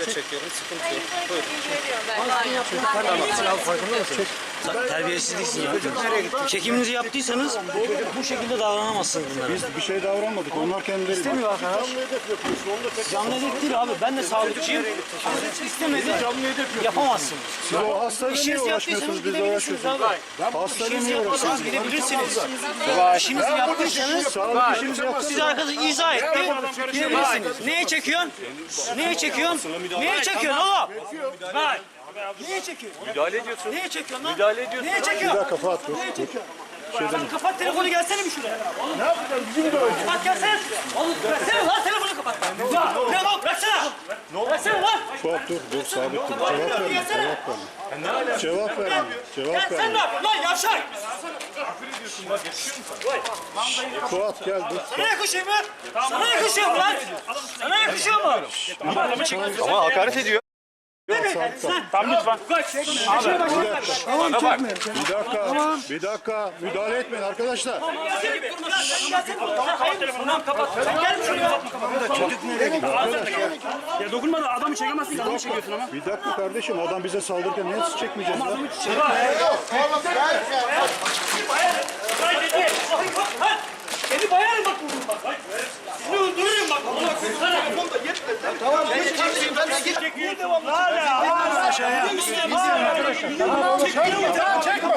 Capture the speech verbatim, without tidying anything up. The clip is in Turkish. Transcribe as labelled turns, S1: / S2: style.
S1: çekiyorum, sıkıntı yok. Buyurun.
S2: Tamam, silah farkında mısınız? Terbiyesizliksin ya. Çekiminizi yaptıysanız bu şekilde davranamazsınız bunlara.
S3: Biz bir şey davranmadık. Onlar kendileri.
S2: İstemiyor arkadaş. Canlı hedef değil abi. Ben de sağlıkçıyım. İstemedi. Yapamazsınız.
S3: Siz o hastayla niye
S2: İşinizi
S3: uğraşmıyorsunuz?
S2: yaptıysanız
S3: Biz de
S2: gidebilirsiniz
S3: uğraşıyorsunuz.
S2: abi.
S3: Hastayla
S2: İşinizi
S3: niye
S2: yapmasanız
S3: uğraşıyorsunuz?
S2: gidebilirsiniz. İşinizi yaptıysanız
S3: Sağlık işimizi yaptık.
S2: siz arkadaş izah etti. Gidebilirsiniz. Neye çekiyorsun? Neye çekiyorsun? Neye çekiyorsun oğlum? Bak. Neye çekiyorsun?
S1: Müdahale ediyorsun.
S2: Neye çekiyorsun lan?
S1: Müdahale ediyorsun.
S2: Neye
S3: Bir
S2: çekiyorsun?
S3: dakika Fuat dur.
S2: Neye çekiyorsun? Sen kapat telefonu, gelsene bir şuraya. Ne yapacağım? Bizim de öyle. Kapat gelsene şuraya. Oğlum bıraksana lan, telefonu kapat. Ya ne lan, bıraksana. Bıraksana lan.
S3: Fuat dur dur sabit dur. Cevap verme. Cevap verme. Cevap verme. Cevap
S2: Sen ne
S3: verme.
S2: yapıyorsun lan yavşak?
S3: Fuat gel dur.
S2: Sana yakışıyor mu? Sana yakışıyor mu lan? Sana yakışıyor mu?
S1: Ama hakaret ediyor.
S2: Tamam lütfen.
S3: Tamam çekme. Bir dakika. Bir dakika. Müdahale etmeyin arkadaşlar.
S2: Tamam kapat. Sen gel şuraya.
S4: Ya dokunma da adamı çekemezsin, adamı çekiyorsun ama.
S3: Bir dakika kardeşim. Adam bize saldırırken niye siz çekmeyeceğiz ya?
S2: Seni bayarım bak vurdum bak. Seni öldürürüm bak. Tamam. Ben git. Niye devamlı? Hala hala aşağıya. Çek.